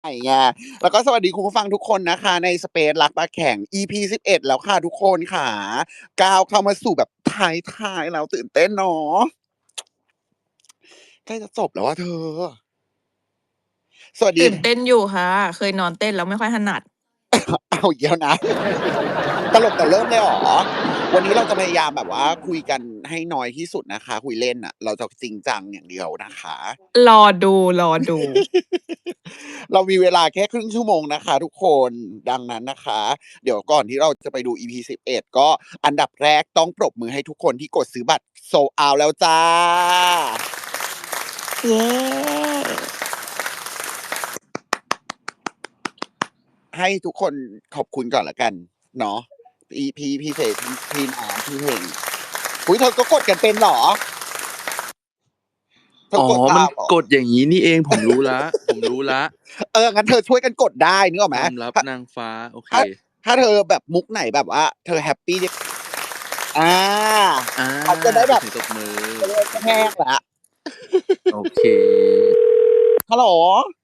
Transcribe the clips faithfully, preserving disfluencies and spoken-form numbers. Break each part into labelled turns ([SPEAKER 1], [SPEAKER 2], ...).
[SPEAKER 1] ไง แล้วก็สวัสดีคุณผู้ฟังทุกคนนะคะ ใน Space รักปลาแข็ง อี พี สิบเอ็ด แล้วค่ะทุกคนขา ก้าวเข้ามาสู่แบบท้าย ๆ แล้ว ตื่นเต้นเนาะ ใกล้จะจบแล้วอะเธอ สวัสด
[SPEAKER 2] ตีื่นเต้นอยู่ค่ะ เคยนอนเต้นแล้วไม่ค่อยถนัด
[SPEAKER 1] เอาอีกแล้วนะ ตลกแต่เริ่มเลยเหรอ? วันนี้เราจะพยายามแบบว่าคุยกันให้น้อยที่สุดนะคะ คุยเล่นน่ะ เราจะจริงจังอย่างเดียวนะคะ
[SPEAKER 2] รอดู ๆ
[SPEAKER 1] เรามีเวลาแค่ครึ่งชั่วโมงนะคะทุกคน ดังนั้นนะคะ เดี๋ยวก่อนที่เราจะไปดู อี พี สิบเอ็ด ก็อันดับแรกต้องปรบมือให้ทุกคนที่กดซื้อบัตร Sold Out แล้วจ้ะ
[SPEAKER 3] เย้
[SPEAKER 1] ให้ทุกคนขอบคุณก่อนแล้วกันเนาะ อี พี พี่เฟย์ พี่ พี่น้ำ พี่เฮง อุ๊ย เธอก็กดกันเป็นเหรอ? เธอ
[SPEAKER 4] อ๋อ
[SPEAKER 1] กดต
[SPEAKER 4] มั
[SPEAKER 1] า
[SPEAKER 4] น
[SPEAKER 1] มเหรอ?
[SPEAKER 4] กดอย่างงี้นี่เอง ผมรู้แล้ว ผมรู้แล้ว
[SPEAKER 1] เออ งั้นเธอช่วยกันกดได้ นึกออกไหม?
[SPEAKER 4] ความลับ
[SPEAKER 1] ถ้า
[SPEAKER 4] นางฟ้า โอเค
[SPEAKER 1] ถ้า ถ้าเธอแบบมุกไหนแบบว่าเธอแฮปปี อา
[SPEAKER 4] อา
[SPEAKER 1] เขาจะได้แบบ
[SPEAKER 4] เสียงตบมือ
[SPEAKER 1] จะได้ไม่แห้งแล้ว
[SPEAKER 4] โอเค
[SPEAKER 1] ฮัลโหล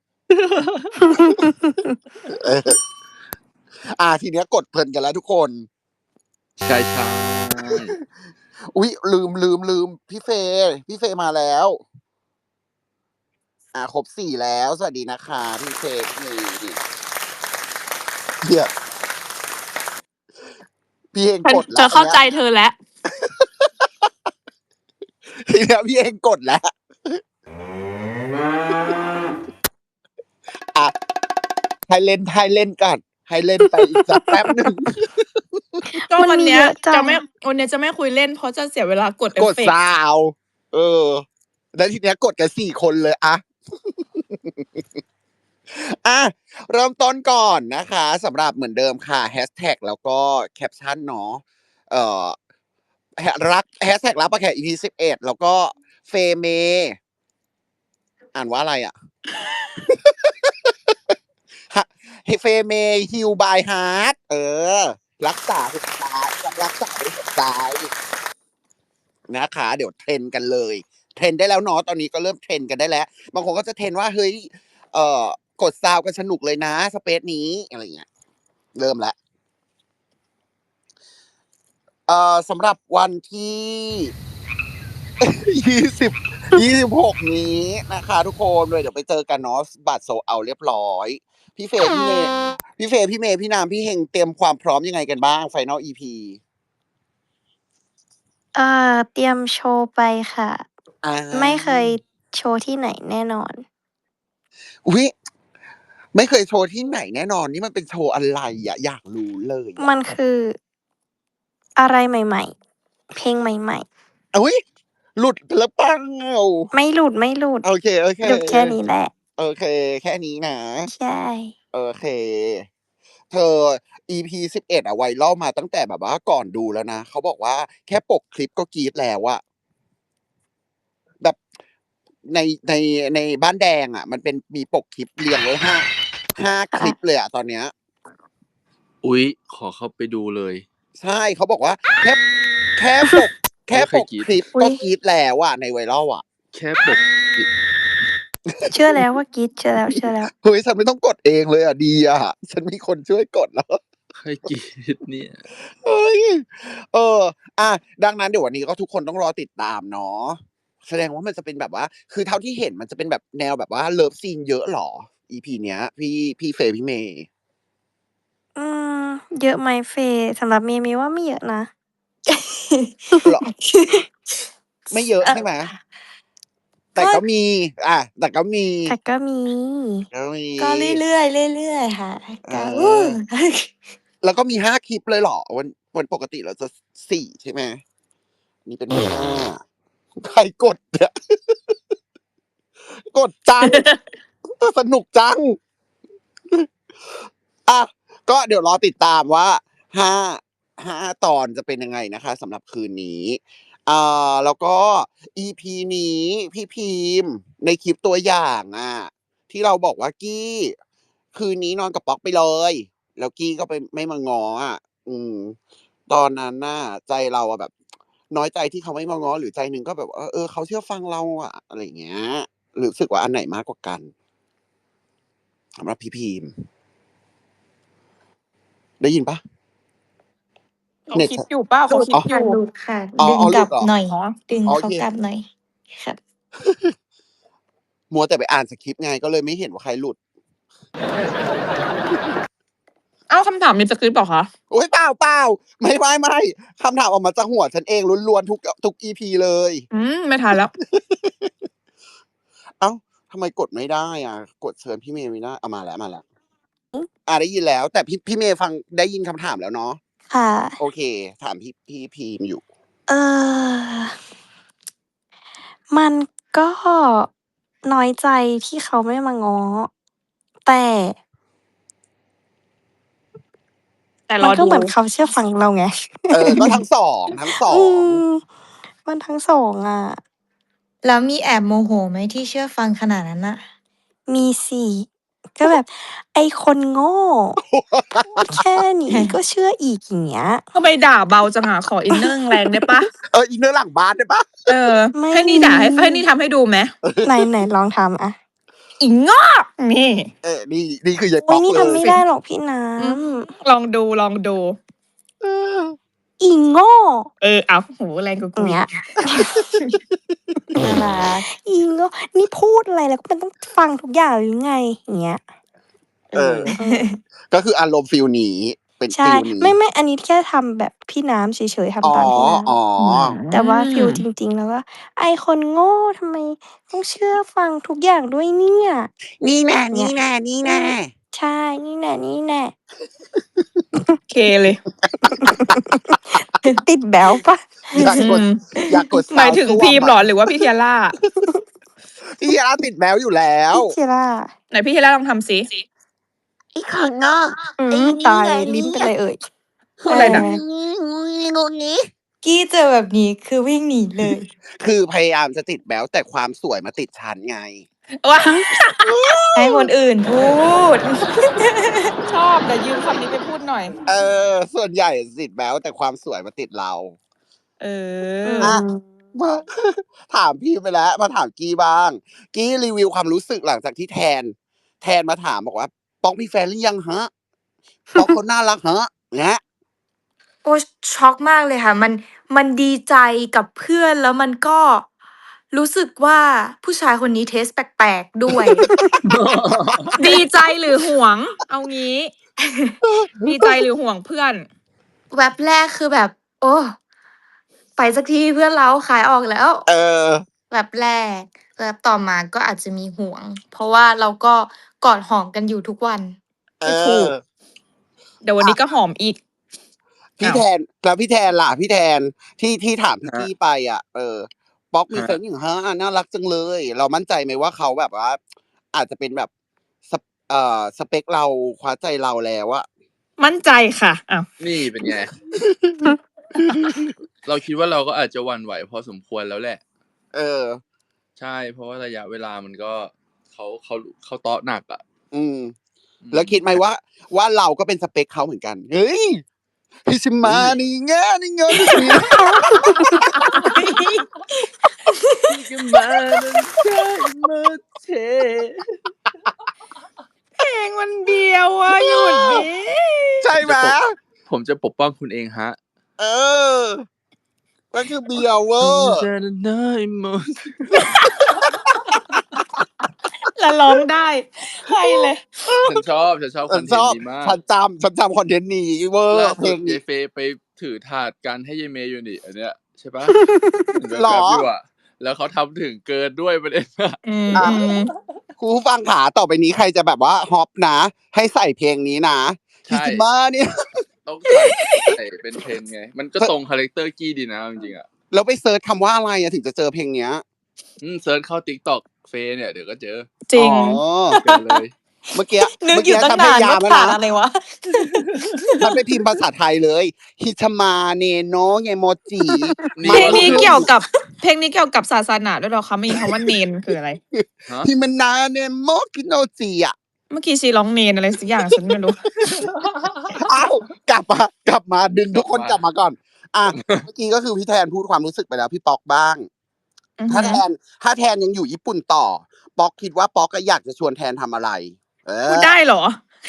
[SPEAKER 1] เออ อา ทีเนี้ยกดเพลินกันแล้วทุกคน
[SPEAKER 4] ใช่ ๆ
[SPEAKER 1] อุ๊ย ลืม ลืม ลืม พี่เฟย์ พี่เฟย์มาแล้ว อา ครบ สี่ แล้ว สวัสดีนะคะพี่เฟย์ พี่เมย์ เนี่ย พี่เฮง
[SPEAKER 2] ฉัน
[SPEAKER 1] กดแล
[SPEAKER 2] ฉั
[SPEAKER 1] ้
[SPEAKER 2] น
[SPEAKER 1] ว
[SPEAKER 2] เ
[SPEAKER 1] อ
[SPEAKER 2] ขั้
[SPEAKER 1] น
[SPEAKER 2] า
[SPEAKER 1] เนี้
[SPEAKER 2] ใ
[SPEAKER 1] ย
[SPEAKER 2] จเธอแล้ว
[SPEAKER 1] ทีเนี้ยพี่เฮงกดแล้ว อะ ให้เล่น ให้เล่นก่อน ให้เล่นไปอีกสักแป๊บหนึ่ง
[SPEAKER 2] ก็
[SPEAKER 3] มันมี
[SPEAKER 2] วันเนี้ย
[SPEAKER 3] เยอะจัง
[SPEAKER 2] จะไม่ วันเนี้ยจะไม่คุยเล่น เพราะจะเสียเวลากดเอ
[SPEAKER 1] กด
[SPEAKER 2] ฟเฟกต์
[SPEAKER 1] ซาวด์ เออ แล้วทีเนี้ยกดกัน สี่ คนเลย อะ อะ เริ่มต้นก่อนนะคะ สำหรับเหมือนเดิมค่ะ แฮชแท็ก แล้วก็แคปชันเนาะ เอ่อ แฮ รัก แฮชแท็ก รักปลาแข็ง อี พี สิบเอ็ด แล้วก็เฟเม อ่านว่าอะไรอะ? ฮ เฟเม Heal by Heart เออ รักษาหัวใจ รักษาด้วยหัวใจ นะคะ เดี๋ยว trend กันเลย trend ได้แล้วเนาะ ตอนนี้ก็เริ่ม trend กันได้แล้ว บางคนก็จะ trend ว่า เฮ้ย เอ่อ กดซาวด์กันสนุกเลยนะ สเปซนี้ อะไรอย่างเงี้ย เริ่มแล้ว เอ่อ สำหรับวันที่ ยี่สิบ ยี่สิบหก นี้นะคะทุกคน เลยเดี๋ยวไปเจอกันเนาะ บัตร Sold Out เรียบร้อย พี่เฟย์ พี่เมย์ พี่เฟย์ พี่เมย์ พี่น้ำ พี่เฮง เตรียมความพร้อมยังไงกันบ้าง Final อี พี?
[SPEAKER 3] เอ่อ เตรียมโชว์ไปค่ะ
[SPEAKER 1] อา
[SPEAKER 3] ไม่เคยโชว์ที่ไหนแน่นอน
[SPEAKER 1] อุ๊ย ไม่เคยโชว์ที่ไหนแน่นอน นี่มันเป็นโชว์อะไรอะ? อยากรู้เลยอ
[SPEAKER 3] ม
[SPEAKER 1] ะ
[SPEAKER 3] ันคือ อะไรใหม่ ๆ เพลงใหม่ ๆ
[SPEAKER 1] อุ๊ย หลุดไปแล้วเปล่า?
[SPEAKER 3] ไม่หลุด ไม่หลุด
[SPEAKER 1] โอเค
[SPEAKER 3] หลุดแค่นี้แหละ
[SPEAKER 1] ๆ โอเค แค่นี้นะ
[SPEAKER 3] ใช่
[SPEAKER 1] โอเค เธอ อี พี สิบเอ็ด อะ viral มาตั้งแต่แบบว่าก่อนดูแล้วนะ เขาบอกว่าแค่ปกคลิปก็กรี๊ดแล้วอะ แบบ ใน ใน ในบ้านแดงอะ มันเป็น มีปกคลิปเรียงไว้ ห้า ห้า
[SPEAKER 3] ค่
[SPEAKER 1] คลิ
[SPEAKER 3] ะ
[SPEAKER 1] ปเลยอะตอนเนี้ย
[SPEAKER 4] อุ๊ย ขอเข้าไปดูเลย
[SPEAKER 1] ใช่ เขาบอกว่า แค่ แค่ปก แค่
[SPEAKER 4] โอ้ ใครกรี๊ด
[SPEAKER 1] ปกคลิป
[SPEAKER 3] อุ
[SPEAKER 1] ก็
[SPEAKER 3] ๊ย
[SPEAKER 1] กรี๊ดแล้วอะใน viral อะ
[SPEAKER 4] แค่ปกคลิป
[SPEAKER 3] เชื่อแล้วว่ากรี๊ด เชื่อแล้ว เชื่อแล้ว
[SPEAKER 1] เฮ้ย ฉันไม่ต้องกดเองเลยอะ ดีอะ ฉันมีคนช่วยกดแล้ว
[SPEAKER 4] ใคร กรี๊ด เนี่ย?
[SPEAKER 1] เฮ้ย เออ อะ ดังนั้นเดี๋ยววันนี้ก็ทุกคนต้องรอติดตามเนาะ แสดงว่ามันจะเป็นแบบว่า คือเท่าที่เห็นมันจะเป็นแบบแนวแบบว่าเลิฟซีนเยอะเหรอ อี พี เนี้ย พี่ พี่เฟย์ พี่เมย์?
[SPEAKER 3] อืม เยอะไหมเฟย์ สำหรับเมย์ เมย์ว่าไม่เยอะนะ
[SPEAKER 1] เหรอ? ไม่เยอะ
[SPEAKER 3] เออ
[SPEAKER 1] ใช่ไหม? แต
[SPEAKER 3] ก่็
[SPEAKER 1] ก็มี อา แต่ก็มี
[SPEAKER 3] แต่ก็มี
[SPEAKER 1] ก็มี
[SPEAKER 3] ก็เรื่อย ๆ เรื่อย ๆ ค่ะ
[SPEAKER 1] เ
[SPEAKER 3] ก็
[SPEAKER 1] ออ แล้วก็มี ห้า คลิปเลยเหรอ? วัน วันปกติเราจะ ส สี่ ใช่ไหม? นี่เป็น ห้า ใครกดเนี่ย? กดจัง เออ สนุกจัง อะ ก็เดี๋ยวรอติดตามว่า ห้า ห้า ตอนจะเป็นยังไงนะคะสำหรับคืนนี้ อ่า แล้วก็ อี พี นี้พี่พีมพ์ในคลิปตัวอย่างอะ ที่เราบอกว่า กี้ คืนนี้นอนกับป๊อกไปเลย แล้วกี้ก็ไป ไม่มาง้ออะ อืม ตอนนั้นน่ะใจเราอะแบบ น้อยใจที่เขาไม่มาง้อ หรือใจหนึ่งก็แบบว่า เออ เขาเชื่อฟังเราอะ อะไรอย่างเงี้ย รู้สึกว่าอันไหนมากกว่ากัน? สำหรับพี่พิมพ์ ได้ยินปะ
[SPEAKER 2] เขา
[SPEAKER 1] เน็ต
[SPEAKER 2] คิดอยู่เปล่า
[SPEAKER 3] หลุ
[SPEAKER 2] เขา
[SPEAKER 3] ด
[SPEAKER 2] คิด
[SPEAKER 3] ค่ะ
[SPEAKER 2] อยู่
[SPEAKER 3] หลุดค่ะ
[SPEAKER 1] อ๋อ
[SPEAKER 3] ดึง
[SPEAKER 1] อ๋อ ห
[SPEAKER 3] ก
[SPEAKER 1] ลุ
[SPEAKER 3] ลั
[SPEAKER 1] ด
[SPEAKER 3] บ
[SPEAKER 1] เหรอ
[SPEAKER 3] หน่อย
[SPEAKER 2] อ๋อ
[SPEAKER 3] ดึง
[SPEAKER 1] โอ
[SPEAKER 3] เขา
[SPEAKER 1] เค
[SPEAKER 3] กลับหน่อยครับ
[SPEAKER 1] มัวแต่ไปอ่านสคริปต์ไง ก็เลยไม่เห็นว่าใครหลุด
[SPEAKER 2] อ้าวคำถามมีสคริปต์เหรอคะ?
[SPEAKER 1] โอ๊ย เปล่า ๆ ไม่ ๆ ๆ คำถามออกมาจากหัวฉันเองล้วน ๆ ทุก ทุก อี พี เลย
[SPEAKER 2] อืม ไม่ทันแล้ว
[SPEAKER 1] อ้าว ทำไมกดไม่ได้อะ กดเชิญพี่เมย์ไม่ได้ อา มาแล้ว มาแล้ว
[SPEAKER 3] อือ
[SPEAKER 1] อา ได้ยินแล้ว แต่พี่ พี่เมย์ฟัง ได้ยินคำถามแล้วเนาะ
[SPEAKER 3] ค่ะ
[SPEAKER 1] โอเค ถามพี่ พี่พิมพ์อยู่
[SPEAKER 3] เอ่อ มันก็น้อยใจที่เขาไม่มาง้อ แต่
[SPEAKER 2] แต่ร
[SPEAKER 3] มั
[SPEAKER 2] อน
[SPEAKER 3] ก็
[SPEAKER 2] ดู
[SPEAKER 3] เหมือนเขาเชื่อฟังเราไง
[SPEAKER 1] เออ ก็ทั้ง สอง ทั้ง สอ
[SPEAKER 3] อื
[SPEAKER 1] ง
[SPEAKER 3] ม มันทั้ง สอง อะ
[SPEAKER 5] แล้วมีแอบโมโหไหมที่เชื่อฟังขนาดนั้นน่ะ?
[SPEAKER 3] มีสิ ก็แบบ "ไอ้คนโง่ แค่นี้ก็เชื่ออีก" อย่างเงี้ย
[SPEAKER 2] ทำไมด่าเบาจังอะ ขออินเนอร์แรงๆได้เปล่า?
[SPEAKER 1] เออ อินเนอร์หลังบ้านได้เปล่า?
[SPEAKER 2] เออ
[SPEAKER 3] ไม่
[SPEAKER 2] ให้นี่
[SPEAKER 3] มี
[SPEAKER 2] ด่า ให้ ให้นี่ทำให้ดูไหม?
[SPEAKER 3] ไหน ๆ ลองทำอะ
[SPEAKER 2] อีโง่ นี่
[SPEAKER 1] เออ นี่ นี่คือยาย
[SPEAKER 3] อุ
[SPEAKER 1] ป๊
[SPEAKER 3] ๊
[SPEAKER 1] ๊
[SPEAKER 3] ย
[SPEAKER 1] อก
[SPEAKER 3] นี่
[SPEAKER 1] เล
[SPEAKER 3] ทำไม่
[SPEAKER 1] ย
[SPEAKER 3] ได้หรอกพี่น้
[SPEAKER 2] อืม
[SPEAKER 3] ำ
[SPEAKER 2] ลองดู ลองดู
[SPEAKER 1] เออ
[SPEAKER 3] อีโง่
[SPEAKER 2] เออ อ้าว โอ้โฮ แรงกว่า
[SPEAKER 3] อ
[SPEAKER 2] กู
[SPEAKER 3] อย่าง
[SPEAKER 2] อี
[SPEAKER 3] เงี้
[SPEAKER 2] ก
[SPEAKER 3] ย
[SPEAKER 5] น่ารัก
[SPEAKER 3] อีโง่ นี่พูดอะไรแล้วมันต้องฟังทุกอย่างหรือไง? อย่างเงี้ย
[SPEAKER 1] เออ
[SPEAKER 3] เออ
[SPEAKER 1] ก็คืออารมณ์ฟีลนี้ เป็น
[SPEAKER 3] ใช่
[SPEAKER 1] ฟีลนี้
[SPEAKER 3] ไม่ ๆ อันนี้แค่ทำแบบพี่น้ำเฉย ๆ ท
[SPEAKER 1] อ๋อ
[SPEAKER 3] ำตามพี่น้
[SPEAKER 1] อ๋อ
[SPEAKER 2] อื
[SPEAKER 3] ำ แต่ว่าฟีลจ
[SPEAKER 2] ม
[SPEAKER 3] ริง ๆ แล้วก็ "ไอ้คนโง่ทำไมต้องเชื่อฟังทุกอย่างด้วยเนี่ย?"
[SPEAKER 1] นี่แน่
[SPEAKER 3] เงี้ย
[SPEAKER 1] ๆ นี่
[SPEAKER 3] อื
[SPEAKER 1] แน่
[SPEAKER 3] ม ใช่ นี่แน่
[SPEAKER 2] เคเลย
[SPEAKER 3] ๆ ติดแบ๊วเปล่า?
[SPEAKER 1] อยาก
[SPEAKER 2] อื
[SPEAKER 1] กด
[SPEAKER 2] ม
[SPEAKER 1] อยากกด
[SPEAKER 2] หมาย
[SPEAKER 1] ซาวด์
[SPEAKER 2] ถึง
[SPEAKER 1] ส้ว
[SPEAKER 2] พี
[SPEAKER 1] ม
[SPEAKER 2] ม
[SPEAKER 1] อ
[SPEAKER 2] เหรอ
[SPEAKER 1] ะ
[SPEAKER 2] หรือว่าพี่ Tiara?
[SPEAKER 1] พี่ Tiara ติดแบ๊วอยู่แล้
[SPEAKER 3] พ
[SPEAKER 1] ว
[SPEAKER 3] ี่ Tiara
[SPEAKER 2] ไหนพี่ Tiara ลองทำสิ
[SPEAKER 1] ไอ้คนโง่
[SPEAKER 3] อื
[SPEAKER 1] ไอ้
[SPEAKER 3] ม
[SPEAKER 1] นี
[SPEAKER 3] ต่
[SPEAKER 1] ่
[SPEAKER 3] าย
[SPEAKER 1] ไง
[SPEAKER 3] ลิ้นเป็นไรเอ่ย?
[SPEAKER 2] พูดอะไรน่ะ?
[SPEAKER 3] เออ
[SPEAKER 1] งูงี้
[SPEAKER 5] กี้เจอแบบนี้คือวิ่งหนีเลย
[SPEAKER 1] คือพยายามจะติดแบ๊ว แต่ความสวยมาติดฉันไง
[SPEAKER 2] ว้า
[SPEAKER 5] ให้คนอื่นพูด
[SPEAKER 2] ชอบ เดี๋ยวยืมคำนี้ไปพูดหน่อย
[SPEAKER 1] เออ ส่วนใหญ่ติดแบ๊ว แต่ความสวยมาติดเรา
[SPEAKER 2] เอ
[SPEAKER 3] อื
[SPEAKER 2] อ
[SPEAKER 1] อะ
[SPEAKER 3] ม
[SPEAKER 1] มา ถามพี่ไปแล้ว มาถามกี้บ้าง กี้รีวิวความรู้สึกหลังจากที่แทน แทนมาถามบอกว่า "ป๊อกมีแฟนหรือยังคะ? ป๊อกเขาน่ารักคะ" เงี้ย
[SPEAKER 5] โอ๊ย ช็อกมากเลยค่ะ มัน มันดีใจกับเพื่อน แล้วมันก็รู้สึกว่า ผู้ชายคนนี้ เทสต์ แปลก ๆ ด้วย
[SPEAKER 2] ดีใจหรือหวง? เอางี้ ดีใจหรือห่วงเพื่อน?
[SPEAKER 5] แว็บแรกคือแบบ โอ้ ไปสักทีเพื่อนเรา ขายออกแล้ว
[SPEAKER 1] เออ
[SPEAKER 5] แว็บแรก แว็บต่อมาก็อาจจะมีห่วง เพราะว่าเราก็กอดหอมกันอยู่ทุกวัน
[SPEAKER 1] เอ
[SPEAKER 2] ก็ถูก
[SPEAKER 1] อ
[SPEAKER 2] เดี๋ยววัน
[SPEAKER 1] อะ
[SPEAKER 2] นี้ก็หอมอีก
[SPEAKER 1] พี่
[SPEAKER 2] อ้าว
[SPEAKER 1] แทน แล้วพี่แทนล่ะ พี่แทน ที่ ที่ถามพี่
[SPEAKER 4] คร
[SPEAKER 1] กัี้
[SPEAKER 4] บ
[SPEAKER 1] ไปอะ เออ "ป๊อกมี
[SPEAKER 4] คร
[SPEAKER 1] แฟั
[SPEAKER 4] บ
[SPEAKER 1] นหรือยังคะ? น่ารักจังเลย" เรามั่นใจไหมว่าเขาแบบว่า อาจจะเป็นแบบ ส เอ่อ สเปกเรา คว้าใจเราแล้วอะ?
[SPEAKER 2] มั่นใจค่ะ อ้าว
[SPEAKER 4] นี่เป็นไง เราคิดว่าเราก็อาจจะหวั่นไหวพอสมควรแล้วแหละ
[SPEAKER 1] เออ
[SPEAKER 4] ใช่ เพราะว่าระยะเวลามันก็ เขา เขา เขาเต๊ะหนักอะ
[SPEAKER 1] อืม
[SPEAKER 4] อื
[SPEAKER 1] แล้วคิดไหม
[SPEAKER 4] ม
[SPEAKER 1] ว่า ว่าเราก็เป็นสเปกเขาเหมือนกัน? เฮ้ย ฮิช
[SPEAKER 4] เฮ
[SPEAKER 1] มา
[SPEAKER 4] ้ย
[SPEAKER 1] นี่แง่นี่เงินเสีย
[SPEAKER 4] พี่ก็มานั้นใช่มาเท
[SPEAKER 2] เพลงมันเดียวอะ หยุดดิ
[SPEAKER 1] ใช่ไหม?
[SPEAKER 4] จะปก ผมจะปกป้องคุณเองครับ
[SPEAKER 1] เออ มันคือเบียวเวอร์
[SPEAKER 2] แล้วร้องได้ ให้เลย
[SPEAKER 4] ฉันชอบ ฉันชอบ
[SPEAKER 1] ฉ
[SPEAKER 4] คั
[SPEAKER 1] น
[SPEAKER 4] อนเท
[SPEAKER 1] ช
[SPEAKER 4] นต์
[SPEAKER 1] อบ
[SPEAKER 4] นี้มา
[SPEAKER 1] ฉั
[SPEAKER 4] ก
[SPEAKER 1] นจำ ฉันจำคอนเทนต์นี้เวอร
[SPEAKER 4] ล่า
[SPEAKER 1] ์ เพ
[SPEAKER 4] ส
[SPEAKER 1] ลุ
[SPEAKER 4] ด
[SPEAKER 1] ง
[SPEAKER 4] ยา
[SPEAKER 1] นี้
[SPEAKER 4] ยเฟย์ไปถือถาดกันให้ยายเมย์อยู่นี่ อันเนี้ย ใช่เปล่า? เห็นแ
[SPEAKER 1] เหรอ?
[SPEAKER 4] ว๊บ ๆ อยู่อะ แล้วเขาทำถึงเกินด้วยประเด็น อะ
[SPEAKER 2] อืม
[SPEAKER 1] อะ
[SPEAKER 2] อืม
[SPEAKER 1] คุณผู้ฟังขา ต่อไปนี้ใครจะแบบว่าฮอปนะ ให้ใส่เพลงนี้นะ
[SPEAKER 4] ใช
[SPEAKER 1] ฮิ
[SPEAKER 4] ่
[SPEAKER 1] จิมาเนี่ย
[SPEAKER 4] ต้องใส่ ใส่เป็น trend ไง มันก็ตรงคาแรกเตอร์กี้ดีนะ เอาจริง ๆ อะ
[SPEAKER 1] แล้วไปเซิร์ชคำว่าอะไรอะถึงจะเจอเพลงเนี้ย?
[SPEAKER 4] อืม เซิร์ชเข้า TikTok เฟย์เนี่ย เดี๋ยวก็เจอ
[SPEAKER 2] จริง
[SPEAKER 1] อ๋อ
[SPEAKER 4] เจอเลย
[SPEAKER 1] เมื่อกี้
[SPEAKER 5] นึ
[SPEAKER 1] เม
[SPEAKER 5] กื
[SPEAKER 1] ่อ
[SPEAKER 5] อ
[SPEAKER 1] กี
[SPEAKER 5] ยู่ตั้
[SPEAKER 1] ฉั
[SPEAKER 5] ง
[SPEAKER 1] นพ
[SPEAKER 5] นาย
[SPEAKER 1] าน ยา
[SPEAKER 5] ว่าม
[SPEAKER 1] แล้ว
[SPEAKER 5] ผ่า
[SPEAKER 1] นะ
[SPEAKER 5] นอะไรวะ
[SPEAKER 1] ฉันไปพิมพ์ภาษาไทยเลย ฮิชมาเนโนะเงโมจิ
[SPEAKER 4] นี่
[SPEAKER 2] เพลง
[SPEAKER 1] มัน
[SPEAKER 2] นี้
[SPEAKER 1] คือ
[SPEAKER 2] เกี่ยวกับ เพลงนี้เกี่ยวกับศาสนาด้วยเหรอคะ? ไม่มีคำว่าเณร คืออะไร?
[SPEAKER 4] ฮะ?
[SPEAKER 1] ฮิมานาเนโมกิโนจิอะ
[SPEAKER 2] เมื่อกี้ชีร้องเณรอะไรสักอย่าง ฉันไม่รู้
[SPEAKER 1] อ้าว กลับมา กลับมา ดึง
[SPEAKER 4] ก
[SPEAKER 1] ท
[SPEAKER 4] ลุั
[SPEAKER 1] ก
[SPEAKER 4] บม
[SPEAKER 1] คนกลับ
[SPEAKER 4] า
[SPEAKER 1] มาก่อน อะ เมื่อกี้ก็คือพี่แทนพูดความรู้สึกไปแล้ว พี่ป๊อกบ้าง
[SPEAKER 2] อือฮ
[SPEAKER 1] ถ้า
[SPEAKER 2] ึ
[SPEAKER 1] แทน ถ้าแทนยังอยู่ญี่ปุ่นต่อ ป๊อกคิดว่า ป๊อกอะอยากจะชวนแทนทำอะไร? เอ
[SPEAKER 2] พูด
[SPEAKER 1] อ
[SPEAKER 2] ได้เหรอ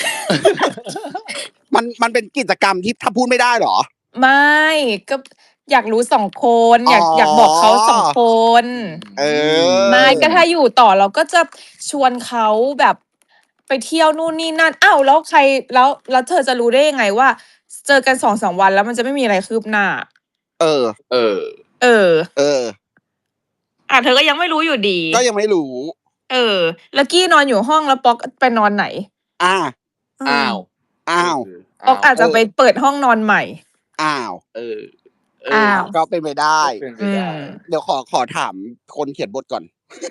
[SPEAKER 1] มันมันเป็นกิจกรรมที่ถ้าพูดไม่ได้เหรอ
[SPEAKER 2] ไม่ก็อยากรู้สองคน อยาก
[SPEAKER 1] อ๋อ
[SPEAKER 2] อ
[SPEAKER 1] อ
[SPEAKER 2] ยากบอกเขาสองคน
[SPEAKER 1] เออ
[SPEAKER 2] ไม่ก็ถ้าอยู่ต่อเราก็จะชวนเขาแบบไปเที่ยวนู่นนี่นั่นอ้าวแล้วใครแล้วแล้วเธอจะรู้ได้ยังไงว่า เจอกันสองสามวันแล้วมันจะไม่มีอะไรคืบหน้า
[SPEAKER 1] เออ
[SPEAKER 4] เออ
[SPEAKER 2] เออ
[SPEAKER 1] เออ
[SPEAKER 2] อ่ะเธอก็ยังไม่รู้อยู่ดี
[SPEAKER 1] ก็ยังไม่รู้
[SPEAKER 2] เออ แล้วกี้นอนอยู่ห้องแล้วป๊อกไปนอนไหน
[SPEAKER 1] อ่า
[SPEAKER 4] อ้าว
[SPEAKER 1] อ้าว
[SPEAKER 2] ป๊อกอาจจะไปเปิดห้องนอนใหม่
[SPEAKER 1] อ้าว
[SPEAKER 4] เออ เอ
[SPEAKER 2] อ้า
[SPEAKER 4] อ
[SPEAKER 2] ว
[SPEAKER 1] ก็เป็นไปได้
[SPEAKER 4] ก็เป็นไป
[SPEAKER 2] อื
[SPEAKER 4] ได้
[SPEAKER 2] ม
[SPEAKER 1] เดี๋ยวขอขอถามคนเขียนบทก่อน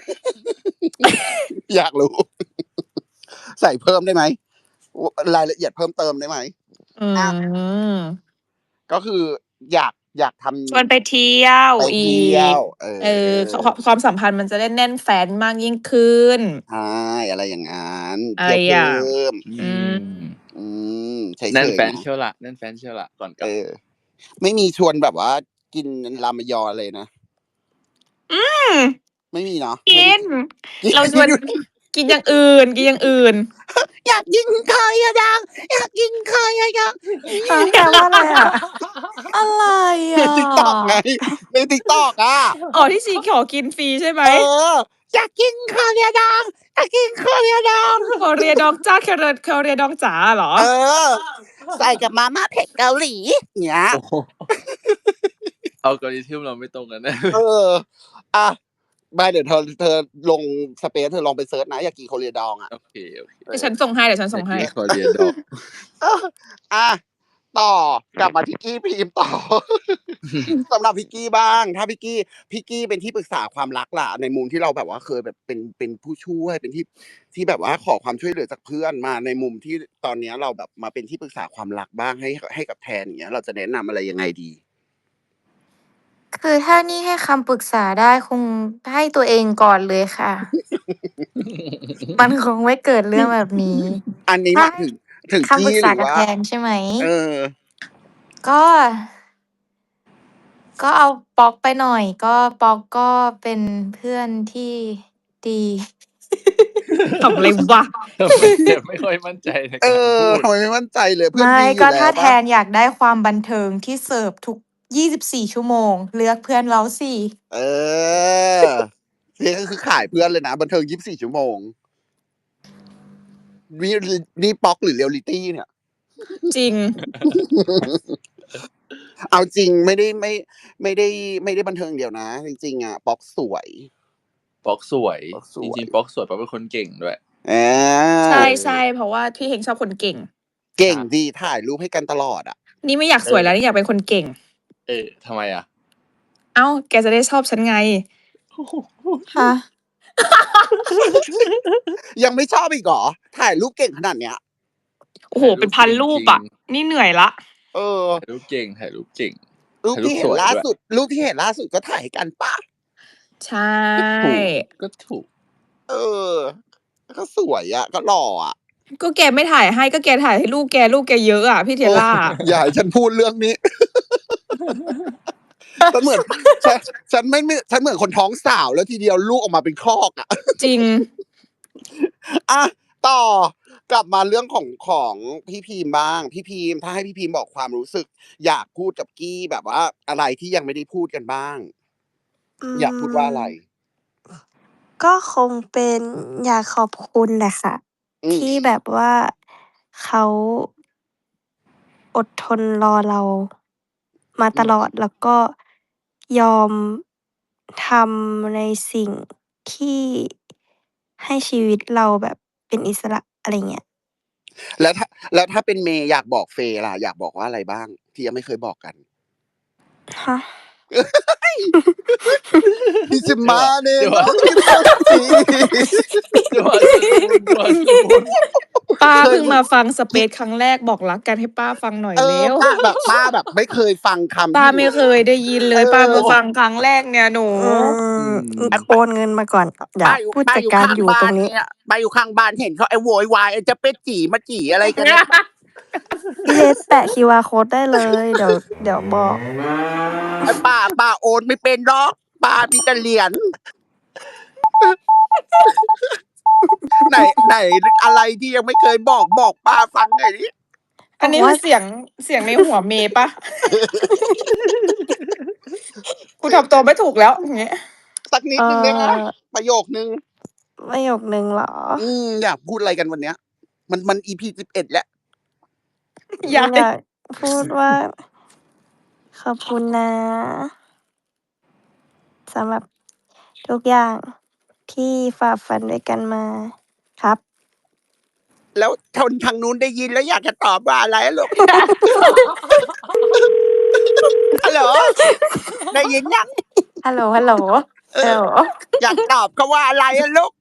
[SPEAKER 1] อยากรู้ ใส่เพิ่มได้ไหมรายละเอียดเพิ่มเติมได้ไหม
[SPEAKER 2] อืม
[SPEAKER 1] ก็คืออยากอยากทำ
[SPEAKER 2] ชวนไปเที่ยว
[SPEAKER 1] ไป
[SPEAKER 2] อี
[SPEAKER 1] เที่ยว
[SPEAKER 2] ก
[SPEAKER 1] เออ
[SPEAKER 2] เออความความสัมพันธ์มันจะได้แน่นแฟ้นมากยิ่งขึ้น
[SPEAKER 1] ใช่อะไรอย่างนั้น
[SPEAKER 2] อะ
[SPEAKER 1] เที่
[SPEAKER 2] ไร
[SPEAKER 1] ยว
[SPEAKER 2] อย่าง
[SPEAKER 1] เพิ่ม
[SPEAKER 2] อืม
[SPEAKER 1] อืมเฉยๆ
[SPEAKER 4] แน่นแฟน
[SPEAKER 1] นะ
[SPEAKER 4] เชียวละแน่นแฟนเชียวละก่อนกลั
[SPEAKER 1] เอบ อ ไม่มีชวนแบบว่า กินรามยอเลยนะ
[SPEAKER 2] อืม
[SPEAKER 1] ไม่มีเนาะ
[SPEAKER 2] กิน
[SPEAKER 1] ไม่
[SPEAKER 2] เราชวน กินอย่างอื่น กินอย่างอื่น
[SPEAKER 1] อยากกินไข่อะดังอยากกินไข่อะดัง
[SPEAKER 3] ฮะแปลว่าอะไรอ่ะ อะไร
[SPEAKER 1] ใน
[SPEAKER 3] อ่ะ
[SPEAKER 1] ติ๊กต็อกไงในติ๊กต็อกอ่ะ
[SPEAKER 2] อ๋อที่ชีขอกินฟรีใช่ไหม
[SPEAKER 1] เออ อยากกินข้าวเหนียวดำอยากกินข้าวเหนียวด
[SPEAKER 2] ขอเรียดองจ้าแครอทแครเรียดองจ๋าเหรอ
[SPEAKER 1] ำเออ ใส่กับมาม่าเผ็ดเกาหลีเนี้ย
[SPEAKER 4] โอ้โหอัลกอริทึมเราไม่ตรงกันแน่
[SPEAKER 1] เออ อ่ะไม่เดี๋ยวเธอเธอลงสเปซเธอลองไปเซิร์ชนะ อยากกินโคเรียดองอ่ะ
[SPEAKER 4] โอเคโอเค
[SPEAKER 2] เดี๋ยวฉันส่งให้เดี๋ยวฉันส่งให้
[SPEAKER 4] อยากกินคอเรียดอก
[SPEAKER 1] เอออ่ะต่อกลับมาที่กี้พิมพ์ต่อ สำหรับพิกกี้บ้าง ถ้าพิกกี้พิกกี้เป็นที่ปรึกษาความรักล่ะในมุมที่เราแบบว่าเคยแบบเป็นเป็นผู้ช่วยเป็นที่ที่แบบว่าขอความช่วยเหลือจากเพื่อนมาในมุมที่ตอนเนี้ยเราแบบมาเป็นที่ปรึกษาความรักบ้างให้ให้กับแทนอย่างเงี้ย เราจะแนะนำอะไรยังไงดี
[SPEAKER 5] คือถ้านี่ให้คำปรึกษาได้คงให้ตัวเองก่อนเลยค่ะ มันคงไม่เกิดเรื่องแบบนี้
[SPEAKER 1] อันนี้
[SPEAKER 5] ถ้า
[SPEAKER 1] มาถึงถึง
[SPEAKER 5] คำปรึ
[SPEAKER 1] กี้
[SPEAKER 5] ก
[SPEAKER 1] ห
[SPEAKER 5] ษา
[SPEAKER 1] รือ
[SPEAKER 5] กับ
[SPEAKER 1] ว่า
[SPEAKER 5] แทนใช่ไหม
[SPEAKER 1] เออ
[SPEAKER 5] ก็ ก็เอาป๊อกไปหน่อย ก็ป๊อกก็เป็นเพื่อนที่ดี
[SPEAKER 2] ทำอะไรวะ
[SPEAKER 4] ทำไมแกไม่ค่อยมั่นใจใน
[SPEAKER 1] เอ
[SPEAKER 4] การ
[SPEAKER 1] อ
[SPEAKER 4] พูด
[SPEAKER 1] ทำไมไม่มั่นใจเลยเพื่อน
[SPEAKER 5] ไม่
[SPEAKER 1] ดีอ
[SPEAKER 5] ก็
[SPEAKER 1] ยู่แล้
[SPEAKER 5] ถ้าว แท
[SPEAKER 1] ปะ
[SPEAKER 5] นอยากได้ความบันเทิงที่เสิร์ฟทุก ยี่สิบสี่ ชั่วโมง เลือกเพื่อนเราสิ
[SPEAKER 1] เออนี่ก็คือขายเพื่อนเลยนะบันเทิงยี่สิบสี่ชั่วโมงนี่นี่ป๊อกหรือเรียลลิตี้เนี่ย
[SPEAKER 2] จริง
[SPEAKER 1] เอาจริงไม่ได้ไม่ไม่ได้ไม่ได้บันเทิงเดียวนะ จริงๆอ่ะป๊อกสวย
[SPEAKER 4] ป๊อกสวย
[SPEAKER 1] ป๊อกสวย
[SPEAKER 4] จริงๆป๊อกสวยป๊อกเป็นคนเก่งด้วย
[SPEAKER 1] เออ
[SPEAKER 2] ใช่ใช่เพราะว่าพี่เฮงชอบคนเก่ง
[SPEAKER 1] เก่งดีถ่ายรูปให้กันตลอดอ่ะ
[SPEAKER 2] นี่ไม่อยากสวยแล้วนี่อยากเป็นคนเก่ง
[SPEAKER 4] เออทำไมอ่ะ
[SPEAKER 2] เอ้า แกจะได้ชอบฉันไง
[SPEAKER 5] ฮะ
[SPEAKER 1] ยังไม่ชอบอีกเหรอถ่ายรูปเก่งขนาดเนี้ย
[SPEAKER 2] โอ้โห เป็นพันรูปอ่ะ นี่เหนื่อยละ
[SPEAKER 1] เออ
[SPEAKER 4] ถ่ายรูปเก่งถ่ายรูปเก่ง
[SPEAKER 1] รูปที่เห็น
[SPEAKER 4] ถ่ายรูปสวย
[SPEAKER 1] ล่า
[SPEAKER 4] ด้วย
[SPEAKER 1] สุด รูปที่เห็นล่าสุดก็ถ่ายให้กันปะ
[SPEAKER 2] ใช่
[SPEAKER 4] ถูกก็ถูก
[SPEAKER 1] เออ ก็สวยอ่ะ ก็หล่ออ่ะ
[SPEAKER 2] ก็แกไม่ถ่ายให้ก็แกถ่ายให้ลูกแกลูกแกเยอะอ่ะพี่เทล่า
[SPEAKER 1] โอ้อย่าให้ฉันพูดเรื่องนี้ ฉันเหมือนฉันฉันไม่ไม่ฉันเหมือนคนท้องสาวแล้วทีเดียวลูกออกมาเป็นครอกอ่ะ
[SPEAKER 2] จริง
[SPEAKER 1] อ่ะต่อกลับมาเรื่องของของพี่พีมบ้าง พี่พีมถ้าให้พี่พีมบอกความรู้สึก อยากพูดกับกี้แบบว่าอะไรที่ยังไม่ได้พูดกันบ้าง อยากพูดว่าอะไร
[SPEAKER 3] ก็คงเป็นอยากขอบคุณแหละค่ะ
[SPEAKER 1] อืม
[SPEAKER 3] ที่แบบว่าเขาอดทนรอเรามาตลอดแล้วก็ยอมทำในสิ่งที่ให้ชีวิตเราแบบเป็นอิสระอะไรเงี้ย
[SPEAKER 1] แล้วถ้าแล้วถ้าเป็นเมย์อยากบอกเฟย์ล่ะอยากบอกว่าอะไรบ้าง ที่ยังไม่เคยบอกกัน
[SPEAKER 3] ฮะ
[SPEAKER 1] ดิจิมาเน
[SPEAKER 4] เดี๋ยว
[SPEAKER 1] โน
[SPEAKER 4] ว่า
[SPEAKER 1] มิโตจิ
[SPEAKER 4] จังหวะสมุนจังหวะสมุน
[SPEAKER 2] ป้าเพิ่งมาฟังสเปซครั้งแรกบอกรักกันให้ป้าฟังหน่อย
[SPEAKER 1] เออ
[SPEAKER 2] เร็ว
[SPEAKER 1] ป้าแบบป้าแบบไม่เคยฟังคำ
[SPEAKER 2] ป้า
[SPEAKER 1] ที่
[SPEAKER 2] ไม่เคยได้ยินเลย
[SPEAKER 1] เออ
[SPEAKER 2] ป้ามาฟังครั้งแรกเนี่ยหนู
[SPEAKER 3] อืมโอนเงินมาก่อนอย่า
[SPEAKER 1] ป้าอยู่
[SPEAKER 3] ผู้
[SPEAKER 1] ป้า
[SPEAKER 3] จัด
[SPEAKER 1] อยู่
[SPEAKER 3] การ
[SPEAKER 1] ข้าง
[SPEAKER 3] อยู่
[SPEAKER 1] บ้า
[SPEAKER 3] ตร
[SPEAKER 1] น
[SPEAKER 3] งนี้
[SPEAKER 1] เนี่ยป้าอยู่ข้างบ้านเห็นเขาไอ้โวยวายไอ้จะเป็ดจี่มาจี่อะไรกันเนี่ย
[SPEAKER 3] พี่เลสแปะ คิว อาร์ code ได้เลย เดี๋ยวเดี๋ยวบอก
[SPEAKER 1] ไอ้ป้าป้าโอนไม่เป็นหรอกป้ามีแต่เหรียญไหนไหนอะไรที่ยังไม่เคยบอกบอกป้าฟังหน่อยดิ
[SPEAKER 2] อันนี้
[SPEAKER 3] บอก
[SPEAKER 2] คื
[SPEAKER 3] ว่า
[SPEAKER 2] อเสียงเสียงในหัวเมย์ปะ กูทำตัวไม่ถูกแล้วอย่างเงี้ย
[SPEAKER 1] สักนิด
[SPEAKER 3] เอ่
[SPEAKER 1] นึงได้ไหม
[SPEAKER 3] อ
[SPEAKER 1] ประโยคนึง
[SPEAKER 3] ประโยคนึงเหรอ
[SPEAKER 1] อืมอยากพูดอะไรกันวันเนี้ย มันมัน อี พี สิบเอ็ด แล้ว
[SPEAKER 2] ยาย
[SPEAKER 3] อยากพูดว่า ขอบคุณนะสำหรับทุกอย่างที่ฝ่าฟันด้วยกันมาครับ
[SPEAKER 1] แล้วคนทางนู้นได้ยินแล้วอยากจะตอบว่าอะไรอะลูก ฮัลโหล ได้ยินยัง
[SPEAKER 5] ฮัลโหลฮัลโหล
[SPEAKER 1] เอ
[SPEAKER 5] ฮัล
[SPEAKER 1] อ
[SPEAKER 5] โหล
[SPEAKER 1] อยากตอบเขาว่าอะไรอะลูก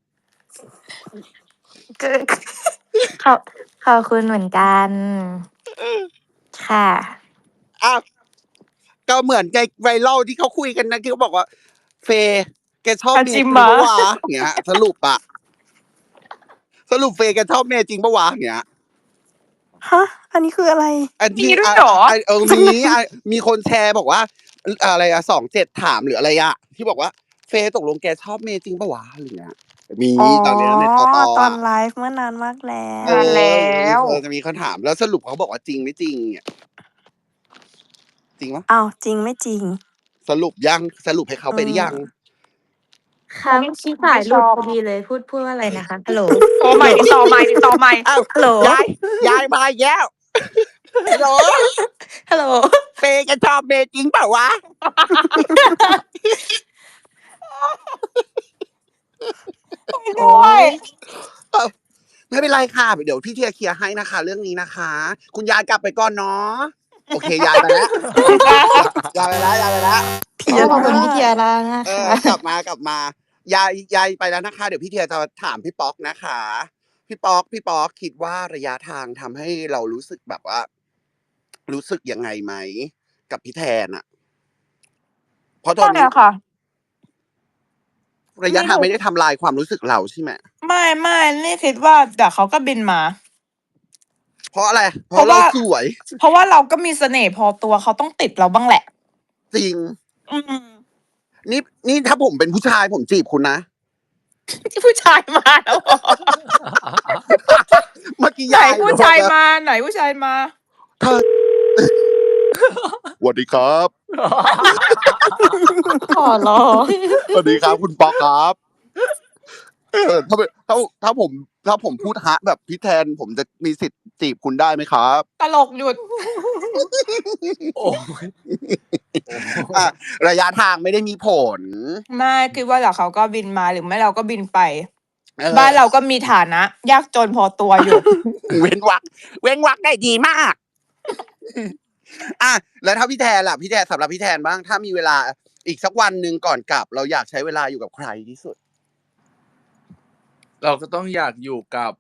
[SPEAKER 5] คือ ขอบขอบคุณเหมือนกัน ค่ะ
[SPEAKER 1] อ้าวก็เหมือนในไวรัลที่เขาคุยกันนะที่เขาบอกว่า เฟย์แกชอบ
[SPEAKER 2] อา
[SPEAKER 1] เมย์
[SPEAKER 2] จิ
[SPEAKER 1] จริง
[SPEAKER 2] มะ
[SPEAKER 1] ปะวะเงี้ย สรุปอะสรุปเฟย์แกชอบเมย์จริงปะวะเงี้ย
[SPEAKER 3] ฮะ อันนี้คืออะไร
[SPEAKER 1] อัน
[SPEAKER 2] มี
[SPEAKER 1] ที่
[SPEAKER 2] ด้วย
[SPEAKER 1] อ่ะ
[SPEAKER 2] เหรอ
[SPEAKER 1] อ่ะเออมีอ่ะมีคนแชร์บอกว่าอะไรอะสองเจ็ดถามหรืออะไรอะที่บอกว่า เฟย์ตกลงแกชอบเมย์จริงปะวะอะไรเงี้ยมี
[SPEAKER 3] อ๋อ
[SPEAKER 1] ตอนนี้ในตอตอ
[SPEAKER 3] ตอน
[SPEAKER 1] อะ
[SPEAKER 3] ไลฟ์เมื่อนานมากแล้
[SPEAKER 1] เอ
[SPEAKER 3] ว
[SPEAKER 2] นาน
[SPEAKER 1] อ
[SPEAKER 2] แล้ว
[SPEAKER 1] เออจะมีคนถามแล้วสรุปเขาบอกว่าจริงไม่จริงเนี่ยจริงปะ
[SPEAKER 3] อ้าว จริงไม่จริง
[SPEAKER 1] สรุปยังสรุปให้เขาไปหรือยัง
[SPEAKER 5] ค่ะ
[SPEAKER 2] ไม่
[SPEAKER 5] ที่สาย
[SPEAKER 2] ไม่
[SPEAKER 5] หลุด
[SPEAKER 2] ชอบ
[SPEAKER 5] พอดีเลย พูดพูดว่าอะไรนะคะ ฮัลโหล
[SPEAKER 2] โทรใหม่ติดต่อใหม่ติดต่อใหม่
[SPEAKER 1] อ้าว
[SPEAKER 5] ฮัลโหล
[SPEAKER 1] ยายยายมาอีกแล้วฮัลโหล
[SPEAKER 5] ฮัลโหล
[SPEAKER 1] เฟย์แกชอบเมย์จริงเปล่าวะ
[SPEAKER 2] ไม่ด้วย
[SPEAKER 1] เอ้าไม่เป็นไรค่ะเดี๋ยวพี่เทียเคลียร์ให้นะคะ เรื่องนี้นะคะ คุณยายกลับไปก่อนเนาะโอเคยายไปแล้ว ยายไปแล้วยายไปแล้ว
[SPEAKER 3] เที
[SPEAKER 5] อ๋
[SPEAKER 3] ย
[SPEAKER 5] อ ขอบ
[SPEAKER 3] ร่า
[SPEAKER 5] คุณพี่เทียร่านะ
[SPEAKER 1] เอ
[SPEAKER 5] คะ
[SPEAKER 1] อกลับมากลับมา ยายยายไปแล้วนะคะ เดี๋ยวพี่เทียจะถามพี่ป๊อกนะคะ พี่ป๊อกพี่ป๊อกคิดว่าระยะทางทำให้เรารู้สึกแบบว่า รู้สึกยังไงไหมกับพี่แทนอะเพราะตอน
[SPEAKER 2] ไม่
[SPEAKER 1] นี้
[SPEAKER 2] อะค่ะ
[SPEAKER 1] ระยะ
[SPEAKER 2] ไม่
[SPEAKER 1] ทาง
[SPEAKER 2] รู้
[SPEAKER 1] ไม่ได้ทำลายความรู้สึกเราใช่ไหม
[SPEAKER 2] ไม่ไม่นี่คิดว่าเดี๋ยวเขาก็บินมา
[SPEAKER 1] เพราะอะไร เพ
[SPEAKER 2] เพราะ
[SPEAKER 1] ราะเรา
[SPEAKER 2] ว่า
[SPEAKER 1] สวย
[SPEAKER 2] เพราะว่าเราก็มีเสน่ห์พอตัวเขาต้องติดเราบ้างแหละ
[SPEAKER 1] จริง
[SPEAKER 2] อืม
[SPEAKER 1] นี่นี่ถ้าผมเป็นผู้ชายผมจีบคุณนะ
[SPEAKER 2] ที่ผู้ชายมาแล้วเหรอ
[SPEAKER 1] เมื่อกี้
[SPEAKER 2] ไหน
[SPEAKER 1] ยาย
[SPEAKER 2] ผู้ชายมาไหนผู้ชายมา
[SPEAKER 1] เธอ สวัสดีครับ
[SPEAKER 5] ขอร้อง
[SPEAKER 1] สวัสดีครับคุณป๊อกครับเออถ้าเป็นถ้าถ้าผมถ้าผมพูดฮะแบบพี่แทน ผมจะมีสิทธิ์จีบคุณได้ไหมครับ
[SPEAKER 2] ตลกหยุด
[SPEAKER 4] โอ้ย
[SPEAKER 1] อ่ะระยะทางไม่ได้มีผล
[SPEAKER 2] ไม่คิดว่าเดี๋ยวเขาก็บินมาหรือไม่เราก็บินไป
[SPEAKER 1] เออ
[SPEAKER 2] บ้านเราก็มีฐานะ ยากจนพอตัวอยู่
[SPEAKER 1] เว้นวักเว้นวักได้ดีมาก อ่ะแล้วถ้าพี่แทนล่ะพี่แทนสำหรับพี่แทนบ้าง ถ้ามีเวลาอีกสักวันหนึ่งก่อนกลับ เราอยากใช้เวลาอยู่กับใครที่สุด
[SPEAKER 4] เราก็ต้องอยากอยู่กับ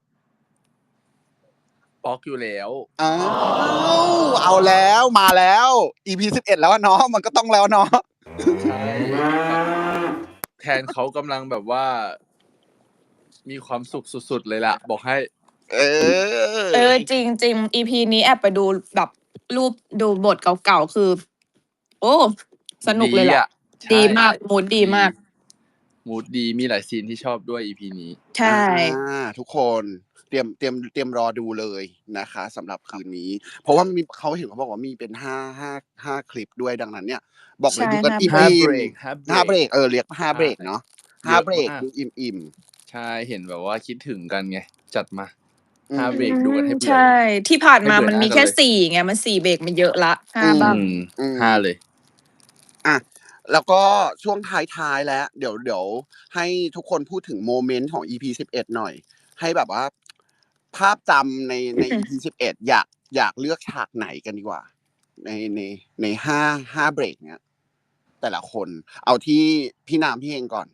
[SPEAKER 4] ป๊อกอยู่แล้ว
[SPEAKER 1] อ้าวเอาแล้วมาแล้ว อี พี สิบเอ็ดแล้วอะเนาะมันก็ต้องแล้วเนาะ
[SPEAKER 4] ใช่แทนเขากำลังแบบว่า มีความสุขสุดๆเลยล่ะ บอกให้
[SPEAKER 1] เออ
[SPEAKER 2] เออจริงจริง อี พี นี้แอบไปดูแบบรูปดูบทเก่าๆคือ โอ้สนุกเลยแหละ
[SPEAKER 4] ใช่
[SPEAKER 2] ดีมากมูดดีมาก
[SPEAKER 4] มูดดีมีหลายซีนที่ชอบด้วย อี พี นี้
[SPEAKER 2] ใช่
[SPEAKER 1] อ่าทุกคนเตรียมเตรียมเตรียมรอดูเลยนะคะสำหรับคืนนี้ เพราะว่ามีเขาเห็นเขาบอกว่ามีเป็นห้าห้าห้าคลิปด้วยดังนั้นเนี่ย บอกเลย
[SPEAKER 2] ใช่
[SPEAKER 1] ดูกัน
[SPEAKER 2] ห้า
[SPEAKER 1] อิ่ม
[SPEAKER 4] ห้า
[SPEAKER 1] อิ่
[SPEAKER 4] เบ
[SPEAKER 1] ม
[SPEAKER 4] รกห้า
[SPEAKER 1] ห้าเบ
[SPEAKER 4] เบ
[SPEAKER 1] ร
[SPEAKER 4] ร
[SPEAKER 1] ก
[SPEAKER 4] ก
[SPEAKER 1] เออเรียกห้าเบรกเนาะห้า
[SPEAKER 4] เยอะ
[SPEAKER 1] เบรก
[SPEAKER 4] มาก
[SPEAKER 1] ดูอิ่มอิ่ม
[SPEAKER 4] ใช่เห็นแบบว่าคิดถึงกันไง จัดมา
[SPEAKER 1] อืม
[SPEAKER 4] ห้าเบรกดูกันให้เบื่อ
[SPEAKER 2] ใช่ ที่ผ่านมา
[SPEAKER 4] ให้เบื่อ
[SPEAKER 2] มันมี
[SPEAKER 4] หน้ากัน
[SPEAKER 2] แค่
[SPEAKER 4] เลย
[SPEAKER 2] สี่ไงมันสี่เบรกมันเยอะละห้า
[SPEAKER 1] อืม
[SPEAKER 2] บ้าง
[SPEAKER 4] อืม
[SPEAKER 1] อืม
[SPEAKER 4] ห้าเลย
[SPEAKER 1] อ่ะแล้วก็ช่วงท้ายๆแล้ว เดี๋ยวเดี๋ยวให้ทุกคนพูดถึงโมเมนต์ของ อี พี สิบเอ็ดหน่อย ให้แบบว่า ภาพจำในใน อี พี สิบเอ็ดอยากอยากเลือกฉากไหนกันดีกว่า ในในในห้าห้าเบรกเนี้ย แต่ละคน เอาที่พี่นามพี่เฮงก่อน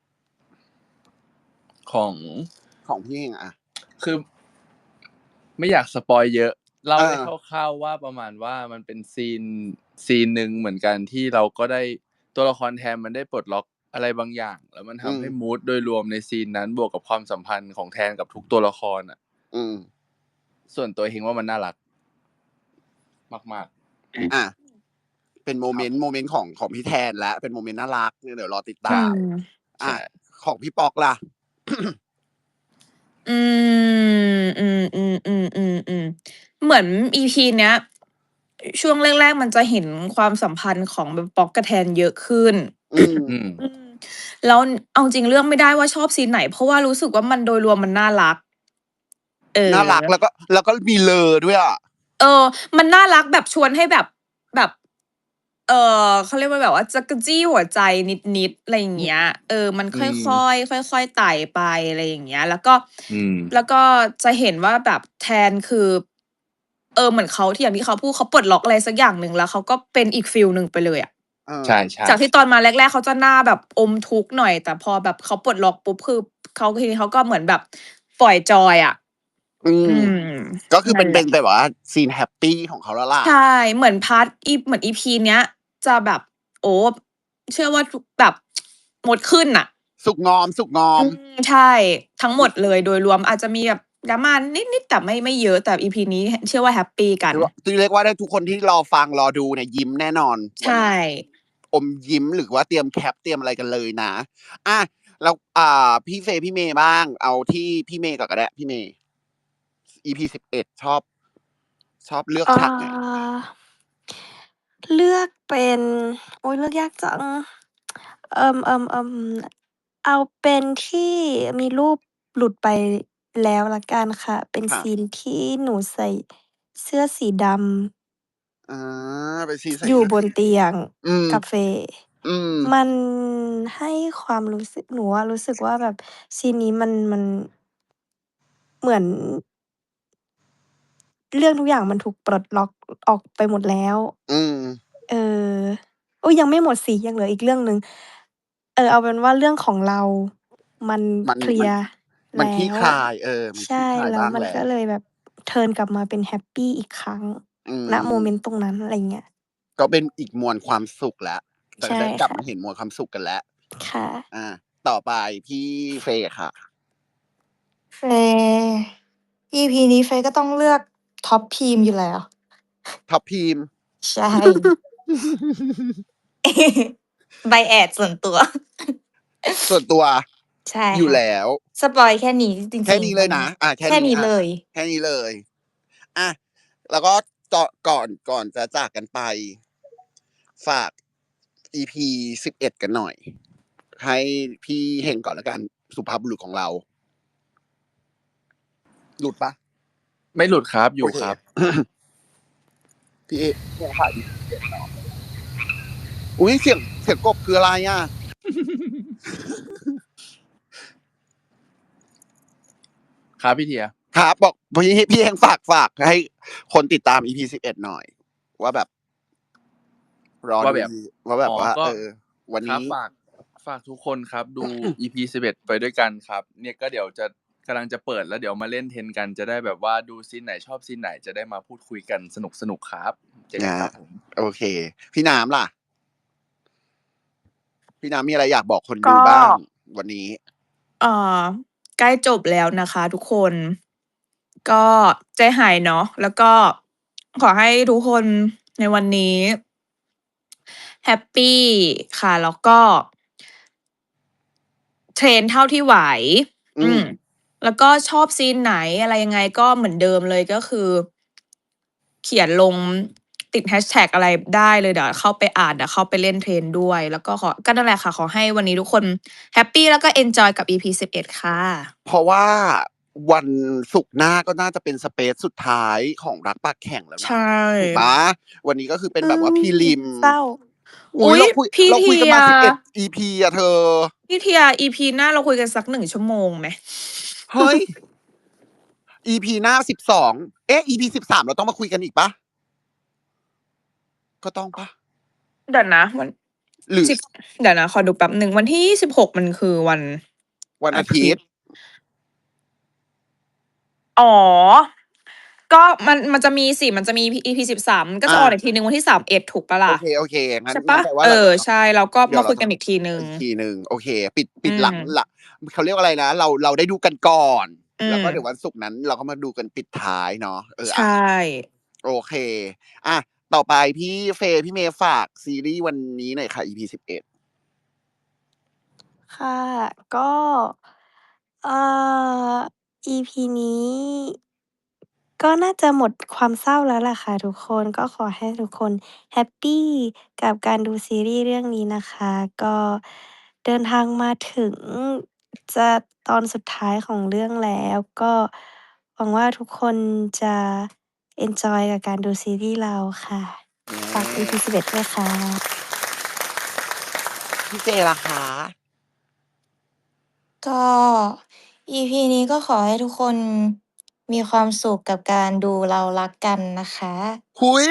[SPEAKER 4] ของ
[SPEAKER 1] ของพี่เฮงอ่ะ
[SPEAKER 4] คือ ไม่อยากสปอยเยอะ เล่า
[SPEAKER 1] เออ
[SPEAKER 4] ได้คร่าวๆว่าประมาณว่ามันเป็นซีนซีนหนึ่งเหมือนกันที่เราก็ได้ตัวละครแทนมันได้ปลดล็อกอะไรบางอย่าง แล้วมัน
[SPEAKER 1] อื
[SPEAKER 4] ทำ
[SPEAKER 1] ม
[SPEAKER 4] ให้มูดโดยรวมในซีนนั้นบวกกับความสัมพันธ์ของแทนกับทุกตัวละครอ่ะ
[SPEAKER 1] อืม
[SPEAKER 4] ส่วนตัวเฮงว่ามันน่ารัก มาก
[SPEAKER 1] อ่ะเป็นโม
[SPEAKER 4] ๆ ค
[SPEAKER 1] เม
[SPEAKER 4] รับ
[SPEAKER 1] นต์โมเมนต์ของของพี่แทนและเป็นโมเมนต์น่ารักเนี่ยเดี๋ยวรอติด
[SPEAKER 2] อื
[SPEAKER 1] ตาม
[SPEAKER 2] ม
[SPEAKER 1] อ่ะ
[SPEAKER 4] ใช่
[SPEAKER 1] ของพี่ปอกล่ะ
[SPEAKER 2] อืมอืมอืมอืมอืมอืมเหมือนอีพีเนี้ย ช่วงแรกๆมันจะเห็นความสัมพันธ์ของแบบป๊อกกับแทนเยอะขึ้น
[SPEAKER 1] อืม
[SPEAKER 4] อืม
[SPEAKER 2] อืมแล้วเอาจริงเลือกไม่ได้ว่าชอบซีนไหน เพราะว่ารู้สึกว่ามันโดยรวมมันน่ารัก เออ
[SPEAKER 1] น่ารักแล้วก็แล้วก็มีเลอด้วยอ่ะ
[SPEAKER 2] เออ มันน่ารักแบบชวนให้แบบแบบ เออเขาเรียกว่าแบบว่าจักรจี้หัวใจนิดๆอะไรอย่างเงี้ย เออ มัน
[SPEAKER 4] อื
[SPEAKER 2] ค่
[SPEAKER 4] ม
[SPEAKER 2] อยๆค่อยๆไต่ไปอะไรอย่างเงี้ย แล้วก็
[SPEAKER 4] อืม
[SPEAKER 2] แล้วก็จะเห็นว่าแบบแทนคือ เออ เหมือนเขาที่อย่างที่เขาพูดเขาปลดล็อกอะไรสักอย่างหนึ่งแล้วเขาก็เป็นอีกฟีลหนึ่งไปเลยอะ
[SPEAKER 1] เออ
[SPEAKER 4] ใช่ใช่
[SPEAKER 2] จากที่ตอนมาแรกๆเขาจะหน้าแบบอมทุกข์หน่อย แต่พอแบบเขาปลดล็อกปุ๊บคือเขาทีนี้เขาก็เหมือนแบบปล่อยจอยอะ
[SPEAKER 1] อื
[SPEAKER 2] อื
[SPEAKER 1] ม
[SPEAKER 2] ม
[SPEAKER 1] ก็คือเป็
[SPEAKER 2] นั่
[SPEAKER 1] น
[SPEAKER 2] นแห
[SPEAKER 1] เป็
[SPEAKER 2] ละ
[SPEAKER 1] นแบบว่าซีนแฮปปีของเขาแล้วล่ะ
[SPEAKER 2] ใช่ เหมือนพาร์ตอีเหมือนอีพีเนี้ย จะแบบ โอ้เชื่อว่าทุกแบบ มดขึ้นน่ะ
[SPEAKER 1] สุกงอม สุกงอ
[SPEAKER 2] อื
[SPEAKER 1] ม
[SPEAKER 2] ม ใช่ ทั้งหมดเลยโดยรวมอาจจะมีแบบดราม่านิดๆแต่ไม่ไม่เยอะ แต่อีพีนี้เชื่อว่าแฮปปีกัน
[SPEAKER 1] เรียกว่าเรียกว่าได้ทุกคนที่รอฟังรอดูเนี่ยยิ้มแน่นอน
[SPEAKER 2] ใช
[SPEAKER 1] วันนี้
[SPEAKER 2] ่
[SPEAKER 1] อมยิ้มหรือว่าเตรียมแคปเตรียมอะไรกันเลยนะอ่ะแล้วอ่า พี่เฟย์พี่เมย์บ้าง เอาที่พี่เมย์ก่อนก็ได้พี่เมย์ อี พี สิบเอ็ดชอบ ชอบเลือก
[SPEAKER 3] เอ่
[SPEAKER 1] ฉากไหน
[SPEAKER 3] อ เลือกเป็น โอ๊ย เลือกยากจัง เอ่อ ๆ ๆ เอาเป็นที่มีรูปหลุดไปแล้วแล้วกันค่ะ เป็น
[SPEAKER 1] ค่ะ
[SPEAKER 3] ซีนที่หนูใส่เสื้อสีดำ
[SPEAKER 1] อา เป็นซีนใส่
[SPEAKER 3] อยู่
[SPEAKER 1] เสื้อบ
[SPEAKER 3] นเตียง
[SPEAKER 1] อืม
[SPEAKER 3] กับเฟย์
[SPEAKER 1] อืม
[SPEAKER 3] มันให้ความรู้สึก หนูอะรู้สึกว่าแบบซีนนี้มัน มัน เหมือน เรื่องทุกอย่างมันถูกปลดล็อกออกไปหมดแล้ว
[SPEAKER 1] อืม
[SPEAKER 3] เออ อุ๊ย ยังไม่หมดสิ ยังเหลืออีกเรื่องหนึ่ง เออ เอาเป็นว่าเรื่องของเรามัน
[SPEAKER 1] มัน
[SPEAKER 3] เคลี
[SPEAKER 1] มัน
[SPEAKER 3] ยร์
[SPEAKER 1] มัน
[SPEAKER 3] แล
[SPEAKER 1] คลี่
[SPEAKER 3] ้ว
[SPEAKER 1] คลาย เออ มัน
[SPEAKER 3] ใช
[SPEAKER 1] คลี่
[SPEAKER 3] ่
[SPEAKER 1] คลาย
[SPEAKER 3] แล้
[SPEAKER 1] บ้
[SPEAKER 3] ว
[SPEAKER 1] าง
[SPEAKER 3] มัน
[SPEAKER 1] แล้
[SPEAKER 3] ก็
[SPEAKER 1] ว
[SPEAKER 3] เลยแบบเทิร์นกลับมาเป็นแฮปปีอีกครั้ง
[SPEAKER 1] อื
[SPEAKER 3] ณ โมเม
[SPEAKER 1] ม
[SPEAKER 3] นต์ตรงนั้น อะไรเงี้ย
[SPEAKER 1] ก็เป็นอีกมวลความสุขแล้ว แต่
[SPEAKER 3] ใช่
[SPEAKER 1] ได้กลับ
[SPEAKER 3] ค่ะ
[SPEAKER 1] มาเห็นมวลความสุขกันแล้ว
[SPEAKER 3] ค่ะ
[SPEAKER 1] อา ต่อไปพี่เฟย์ค่ะ
[SPEAKER 5] เฟย์ อีพีนี้เฟย์ก็ต้องเลือกท็อปพีมอยู่แล้ว
[SPEAKER 1] ท็อปพีม
[SPEAKER 5] ใช่ bias ส่วนตัว
[SPEAKER 1] ส่วนตัว
[SPEAKER 5] ใช่
[SPEAKER 1] อยู่
[SPEAKER 5] ค่ะ
[SPEAKER 1] แล้ว
[SPEAKER 5] สปอยล์แค่นี้จริง ๆ
[SPEAKER 1] แค่นี้เลย
[SPEAKER 5] มั
[SPEAKER 1] นะ อา แค่
[SPEAKER 5] แค่
[SPEAKER 1] นี้
[SPEAKER 5] นี้
[SPEAKER 1] อา
[SPEAKER 5] เลย
[SPEAKER 1] แค่นี้เลย อา แล้วก็ตอ ก่อน ก่อนจะจากกันไป ฝาก อีพี สิบเอ็ด กันหน่อย ให้พี่เฮงก่อนแล้วกัน สุภาพบุรุษของเรา หลุดเปล่า?
[SPEAKER 4] ไม่หลุดครับ อ
[SPEAKER 1] โอยู่ เค
[SPEAKER 4] ครับ
[SPEAKER 1] พี่เอ เฮงค่ะ อี พี สิบเอ็ด เนาะ อุ๊ย เสียง เสียงกบคืออะไรอะ?
[SPEAKER 4] ครับพี่เทีย
[SPEAKER 1] ครับ บอกพี่ พี่เฮงฝาก ฝากให้คนติดตาม อี พี สิบเอ็ด หน่อย ว่าแบบ รอ
[SPEAKER 4] ว่า
[SPEAKER 1] ดู
[SPEAKER 4] แบบ
[SPEAKER 1] ว่าแบ
[SPEAKER 4] อ๋
[SPEAKER 1] บ
[SPEAKER 4] อ
[SPEAKER 1] ว่า
[SPEAKER 4] ก็
[SPEAKER 1] เออ วันน
[SPEAKER 4] ครั
[SPEAKER 1] ี
[SPEAKER 4] บ
[SPEAKER 1] ้
[SPEAKER 4] ฝาก ฝากทุกคนครับ ดู อี พี สิบเอ็ด ไปด้วยกันครับ เนี่ยก็เดี๋ยวจะ กำลังจะเปิดแล้วเดี๋ยวมาเล่น Ten กัน จะได้แบบว่าดูซีนไหนชอบซีนไหน จะได้มาพูดคุยกันสนุก ๆ ครับ เจอกันครับผม
[SPEAKER 1] โอเค พี่น้ำล่ะ? พี่น้ำมีอะไรอยากบอกคน
[SPEAKER 2] ก
[SPEAKER 1] ดูบ้างวันนี้?
[SPEAKER 2] เอ่อ ใกล้จบแล้วนะคะทุกคน ก็ใจหายเนาะ แล้วก็ขอให้ทุกคนในวันนี้ แฮปปีค่ะ แล้วก็ เทรนเท่าที่ไหว
[SPEAKER 1] อื
[SPEAKER 2] อืม
[SPEAKER 1] ม
[SPEAKER 2] แล้วก็ชอบซีนไหนอะไรยังไงก็เหมือนเดิมเลย ก็คือ เขียนลง ติดแฮชแท็กอะไรได้เลย เดี๋ยวเข้าไปอ่าน เดี๋ยวเข้าไปเล่น Trend ด้วย แล้วก็ขอ ก็นั่นแหละค่ะ ขอให้วันนี้ทุกคนแฮปปีแล้วก็เอนจอยกับ อี พี สิบเอ็ด ค่ะ
[SPEAKER 1] เพราะว่าวันศุกร์หน้าก็น่าจะเป็น Space สุดท้ายของรักปากแข็งแล้ว
[SPEAKER 2] ใช
[SPEAKER 1] นะ ถูกเปล่า? วันนี้ก็คือเป็นแบบว่า
[SPEAKER 3] อืม
[SPEAKER 1] Prelim
[SPEAKER 3] เศร้า
[SPEAKER 1] อุ
[SPEAKER 2] อุ๊
[SPEAKER 1] ๊ย
[SPEAKER 2] ย
[SPEAKER 1] เราคุย
[SPEAKER 2] พี่
[SPEAKER 1] เรา
[SPEAKER 2] เท
[SPEAKER 1] คุยกันีมา
[SPEAKER 2] ย
[SPEAKER 1] สิบเอ็ด อี พี อะเธอ
[SPEAKER 2] พี่เทีย อี พี หน้าเราคุยกันสัก หนึ่ง ชั่วโมงไหม?
[SPEAKER 1] เฮ้ย อี พี หน้า สิบสอง เอ๊ะ อี พี สิบสาม เราต้องมาคุยกันอีกเปล่า? ก็ต้องเปล่า?
[SPEAKER 2] เดี๋ยวนะวัน
[SPEAKER 1] หรือ
[SPEAKER 2] สิบ เดี๋ยวนะขอดูแป๊บหนึ่ง วันที่ ยี่สิบหก มันคือวัน
[SPEAKER 1] วัน
[SPEAKER 2] อา
[SPEAKER 1] อา
[SPEAKER 2] ท
[SPEAKER 1] ทิ
[SPEAKER 2] ิ
[SPEAKER 1] ต
[SPEAKER 2] ต
[SPEAKER 1] ย์
[SPEAKER 2] อ๋อ ก็มัน มันจะมีสิ มันจะมี อี พี สิบสาม ก็
[SPEAKER 1] อ
[SPEAKER 2] จะออน
[SPEAKER 1] า
[SPEAKER 2] อีกทีหนึ่งวันที่ สามเอ็ด ถูกเปล่า
[SPEAKER 1] โอ
[SPEAKER 2] ล่ะ?
[SPEAKER 1] เค ๆ งั้
[SPEAKER 2] ใ
[SPEAKER 1] น
[SPEAKER 2] ช่เ
[SPEAKER 1] ง
[SPEAKER 2] ปั้ล่า?
[SPEAKER 1] นแปลว่า
[SPEAKER 2] เอ
[SPEAKER 1] เรา เ
[SPEAKER 2] อ
[SPEAKER 1] ดี๋ยวเรา
[SPEAKER 2] ใช่ แล้วก็
[SPEAKER 1] เดี๋ยวเร
[SPEAKER 2] มาคุ
[SPEAKER 1] า
[SPEAKER 2] ยกันอีกทีหนึ่ง
[SPEAKER 1] อีกทีหนึ่ง โอเค ปิด
[SPEAKER 2] อ
[SPEAKER 1] ปิ
[SPEAKER 2] ื
[SPEAKER 1] ดหลัง
[SPEAKER 2] ม
[SPEAKER 1] หลัง เขาเรียกว่าอะไรนะ เรา เราได้ดูกันก่อน
[SPEAKER 2] อื
[SPEAKER 1] แล้วก็เดี๋ยว
[SPEAKER 2] ม
[SPEAKER 1] วันศุกร์นั้นเราก็มาดูกันปิดท้ายเนาะ เออ
[SPEAKER 2] ใช
[SPEAKER 1] อะ
[SPEAKER 2] ่
[SPEAKER 1] โอเค อะ ต่อไปพี่เฟย์ พี่เมย์ฝากซีรีส์วันนี้หน่อยค่ะ อี พี สิบเอ็ด
[SPEAKER 3] ค่ะ ก็ เอ่ออี พี นี้ ก็น่าจะหมดความเศร้าแล้วล่ะค่ะทุกคน ก็ขอให้ทุกคนแฮปปีกับการดูซีรีส์เรื่องนี้นะคะ ก็เดินทางมาถึงจะตอนสุดท้ายของเรื่องแล้ว ก็หวังว่าทุกคนจะเอนจอยกับการดูซีรีส์เราค่ะ ฝาก อี พี สิบเอ็ด ด้วยค่ะ
[SPEAKER 1] พี่เจล่ะคะ
[SPEAKER 5] ก็ อี พี นี้ก็ขอให้ทุกคนมีความสุขกับการดูเรารักกันนะคะ
[SPEAKER 1] หุย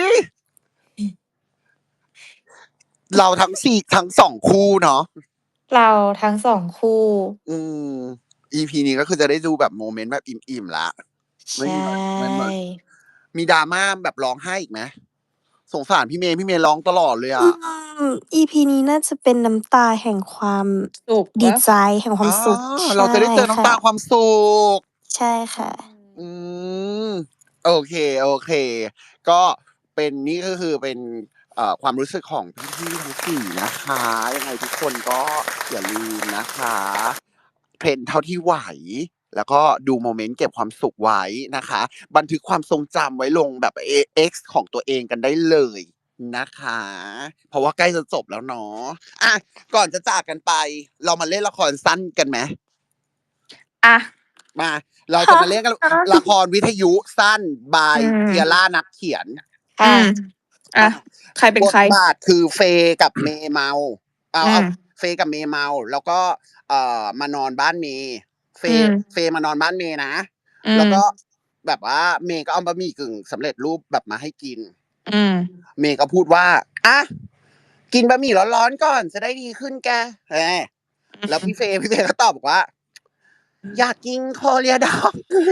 [SPEAKER 1] เราทั้งสี่ ทั้ง สอง คู่เนาะ
[SPEAKER 5] เราทั้ง สอง คู่
[SPEAKER 1] อืม อี พี นี้ก็คือจะได้ดูแบบโมเมนต์แบบอิ่ม ๆ แล้ว
[SPEAKER 5] ใช
[SPEAKER 1] ไม่มีแบบ มันเหมือน
[SPEAKER 5] ่
[SPEAKER 1] มีดราม่าแบบร้องไห้อีกไหม? สงสารพี่เมย์ พี่เมย์ร้องตลอดเลยอ
[SPEAKER 3] อื
[SPEAKER 1] ะ
[SPEAKER 3] ม อี พี นี้น่าจะเป็นน้ำตาแห่งความ
[SPEAKER 2] สุข
[SPEAKER 3] ดี
[SPEAKER 2] เปล่า?
[SPEAKER 3] ใจ แห่งควา
[SPEAKER 1] อ๋
[SPEAKER 3] ม
[SPEAKER 1] อ
[SPEAKER 3] สุข ใ
[SPEAKER 1] เรา
[SPEAKER 3] ช่
[SPEAKER 1] จะได้เจอน้ำ
[SPEAKER 3] ค่ะ
[SPEAKER 1] ตาความสุข
[SPEAKER 3] ใช่ค่ะ
[SPEAKER 1] อืม โอเค โอเค ก็เป็น นี่ก็คือเป็น เอ่อ ความรู้สึกของพี่ ๆ ทั้ง สี่ นะคะ ยังไงทุกคนก็อย่าลืมนะคะ เพลนเท่าที่ไหว แล้วก็ดูโมเมนต์เก็บความสุขไว้นะคะ บันทึกความทรงจำไว้ลงแบบ เอ X ของตัวเองกันได้เลยนะคะ เพราะว่าใกล้จะจบแล้วเนาะ อะ ก่อนจะจากกันไป เรามาเล่นละครสั้นกันไหม?
[SPEAKER 2] อะ
[SPEAKER 1] มา เราจะมาเล่นกัน ละครวิทยุสั้น by
[SPEAKER 2] อืม
[SPEAKER 1] Kiera นักเขียน
[SPEAKER 2] อื
[SPEAKER 5] ค่ะ
[SPEAKER 2] ม อะ ใครเป็น
[SPEAKER 1] บท
[SPEAKER 2] ใคร?
[SPEAKER 1] บาทคือเฟย์กับเมย์เมา เอา
[SPEAKER 2] อื
[SPEAKER 1] เอา
[SPEAKER 2] ม
[SPEAKER 1] เฟย์กับเมย์เมา แล้วก็ เอ่อ มานอนบ้านเมย์ เฟ
[SPEAKER 2] อื
[SPEAKER 1] ย์
[SPEAKER 2] ม
[SPEAKER 1] เฟย์มานอนบ้านเมย์นะ
[SPEAKER 2] อืม
[SPEAKER 1] แล้วก็แบบว่าเมย์ก็เอาบะหมี่กึ่งสำเร็จรูปแบบมาให้กิน
[SPEAKER 2] อืม
[SPEAKER 1] เมย์ก็พูดว่า "อะ กินบะหมี่ร้อน ๆ ก่อนจะได้ดีขึ้นแก" แหม แล้วพี่เฟย์ พี่เฟย์ก็ตอบบอกว่า "อยากกิน Korea Dog"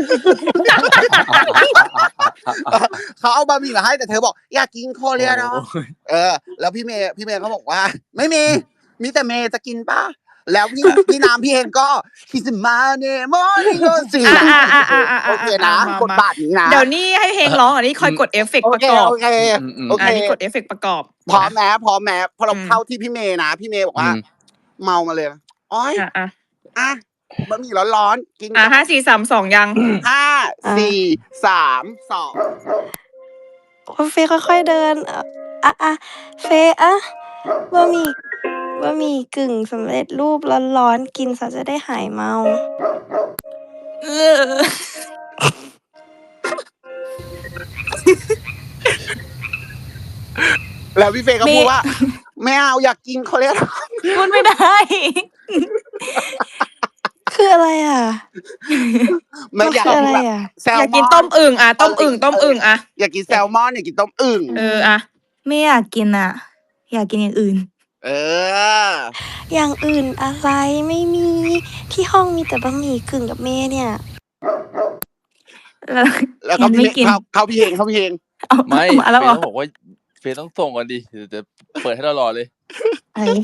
[SPEAKER 1] เขาเอาบะหมี่มาให้ แต่เธอบอก "อยากกิน
[SPEAKER 4] โอ้
[SPEAKER 1] Korea Dog" เออ แล้วพี่เมย์ พี่เมย์ก็บอกว่า "ไม่มี มีแต่เมย์จะกินเปล่า?" แล้วพี่ พี่น้ำ พี่เฮงก็ "Kiss my morning rose"
[SPEAKER 2] อา
[SPEAKER 1] โอเคนะ
[SPEAKER 2] ๆๆๆๆ ๆ
[SPEAKER 1] บท
[SPEAKER 2] มา
[SPEAKER 1] บาทนี้นะ
[SPEAKER 2] ๆ เดี๋ยวนี้ให้เพลงร้อง อันนี้คอยกดเอฟเฟก
[SPEAKER 1] โอ
[SPEAKER 2] ต์ประ
[SPEAKER 1] เค
[SPEAKER 2] กอบ
[SPEAKER 1] โอเค
[SPEAKER 4] อืม
[SPEAKER 1] โอ
[SPEAKER 4] ๆ
[SPEAKER 1] เค
[SPEAKER 2] อันนี้กดเอฟเฟกต์ประกอบ
[SPEAKER 1] พร้อม
[SPEAKER 2] นะ
[SPEAKER 1] ไหม พร้อมไหม พอเรา
[SPEAKER 2] อืม
[SPEAKER 1] เข้าที่พี่เมย์นะ พี่เมย์บอก
[SPEAKER 4] อื
[SPEAKER 1] ว่า
[SPEAKER 4] ม
[SPEAKER 1] เมามาเลย "โอ๊ย
[SPEAKER 2] อา ๆ
[SPEAKER 1] อะ บะหมี่ร้อน ๆ กิน
[SPEAKER 2] อ่า
[SPEAKER 1] ก่อน"
[SPEAKER 2] ห้า สี่ สาม สอง ยัง?
[SPEAKER 1] ห้า
[SPEAKER 3] อา
[SPEAKER 1] สี่ สาม สอง
[SPEAKER 3] คุณเฟย์ค่อย ๆ เดิน อะ อะ ๆ เฟย์ อะ บะหมี่ บะหมี่กึ่งสำเร็จรูปร้อน ๆ กินซะจะได้หายเมา
[SPEAKER 5] เออ
[SPEAKER 1] แล้วพี่เฟย์ก็
[SPEAKER 5] เม
[SPEAKER 1] พูดว่า "ไม่เอา อยากกิน Korea Dog"
[SPEAKER 5] พูดไม่ได้
[SPEAKER 3] คืออะไรอะ?
[SPEAKER 1] ไม่
[SPEAKER 3] มัน
[SPEAKER 1] อยา
[SPEAKER 3] คื
[SPEAKER 1] ก
[SPEAKER 3] ออะไร
[SPEAKER 1] แบบ
[SPEAKER 3] อะ?
[SPEAKER 1] แซล
[SPEAKER 2] อยาก
[SPEAKER 1] มอน
[SPEAKER 2] กินต้มอึ่ง อะ ต้ม
[SPEAKER 1] เ
[SPEAKER 2] อึ่ง ต้มอึ่ง อะ
[SPEAKER 1] อยากกินแซลมอน อยากกินต้มอึ่ง
[SPEAKER 2] เออ อะ
[SPEAKER 5] ไม่อยากกินอะ อยากกินอย่างอื่น
[SPEAKER 1] เออ
[SPEAKER 3] อย่างอื่นอะไร ไม่มี ที่ห้องมีแต่บะหมี่กึ่งกับเมย์เนี่ย
[SPEAKER 5] แล้ว
[SPEAKER 1] แล้วก
[SPEAKER 5] งั้
[SPEAKER 1] ็
[SPEAKER 5] น
[SPEAKER 1] พี่
[SPEAKER 5] ไม่
[SPEAKER 1] เมย์
[SPEAKER 5] กิน
[SPEAKER 1] เข้า เข้าพี่เฮง เข้าพี่เฮง
[SPEAKER 5] อ้าว
[SPEAKER 4] ไม่
[SPEAKER 5] มาแล้ว
[SPEAKER 4] เฟ
[SPEAKER 5] เหรอ?
[SPEAKER 4] ย์ต้องบอกว่า เฟย์ต้องส่งก่อนดิ เดี๋ยวจะเปิดให้เรารอเลย
[SPEAKER 5] เฮ้ย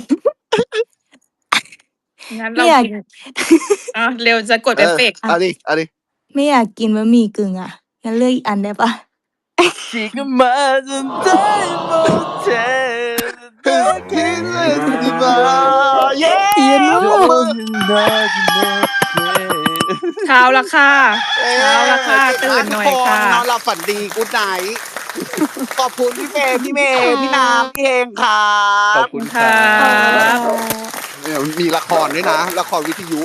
[SPEAKER 2] งั้น
[SPEAKER 5] ไม
[SPEAKER 2] เร่า
[SPEAKER 5] อยาก
[SPEAKER 2] กิน อะ เร็วจะกด
[SPEAKER 1] เอ
[SPEAKER 2] เอฟ
[SPEAKER 1] อ
[SPEAKER 2] เฟกต์
[SPEAKER 1] เอาดิ เอาดิ
[SPEAKER 5] ไม่อยากกินบะหมี่กึ่งอะ งั้นเลือกอีกอันได้เปล่า?
[SPEAKER 4] 지금 맞은 날 못해 내 곁에 있지 마
[SPEAKER 1] เย้
[SPEAKER 5] เหี้ย no
[SPEAKER 4] 더는 나지 못해
[SPEAKER 2] เช้าแล้วค่ะ
[SPEAKER 1] เอ
[SPEAKER 2] เช้าแล้วค่ะ
[SPEAKER 1] เก่ง
[SPEAKER 2] ตื่
[SPEAKER 1] มาก
[SPEAKER 2] น
[SPEAKER 1] ทุ
[SPEAKER 2] ห
[SPEAKER 1] ก
[SPEAKER 2] น่อ
[SPEAKER 1] ค
[SPEAKER 2] ยค่ะ
[SPEAKER 1] น นอนหลับฝันดี Good night ขอบคุณพี่เฟย์ พี่เมย์ พี่น้ำ พี่เฮงครั
[SPEAKER 4] ขอบบ คุณครั
[SPEAKER 2] ค
[SPEAKER 3] ขอบคุณ
[SPEAKER 2] รั
[SPEAKER 3] ค่ะ
[SPEAKER 2] บ
[SPEAKER 1] เดี๋ยวมีละครด้วยนะ ละครวิทยุ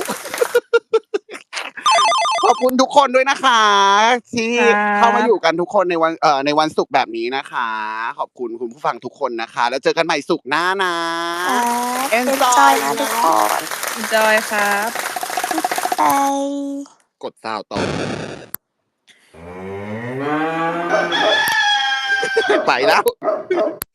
[SPEAKER 1] ขอบคุณทุกคนด้วยนะคะ ที่
[SPEAKER 2] ครั
[SPEAKER 1] เข้ามาอยู่
[SPEAKER 2] บ
[SPEAKER 1] กันทุกคนในวัน เอ่อ ในวันศุกร์แบบนี้นะคะ ขอบคุณคุณผู้ฟังทุกคนนะคะ แล้วเจอกันใหม่ศุกร์หน้านะ
[SPEAKER 3] ครับ
[SPEAKER 1] Enjoy
[SPEAKER 3] enjoy นะทุกคน
[SPEAKER 2] enjoy ครับ
[SPEAKER 3] บาย
[SPEAKER 1] กด ซาวด์ ต่อ ไปแล้ว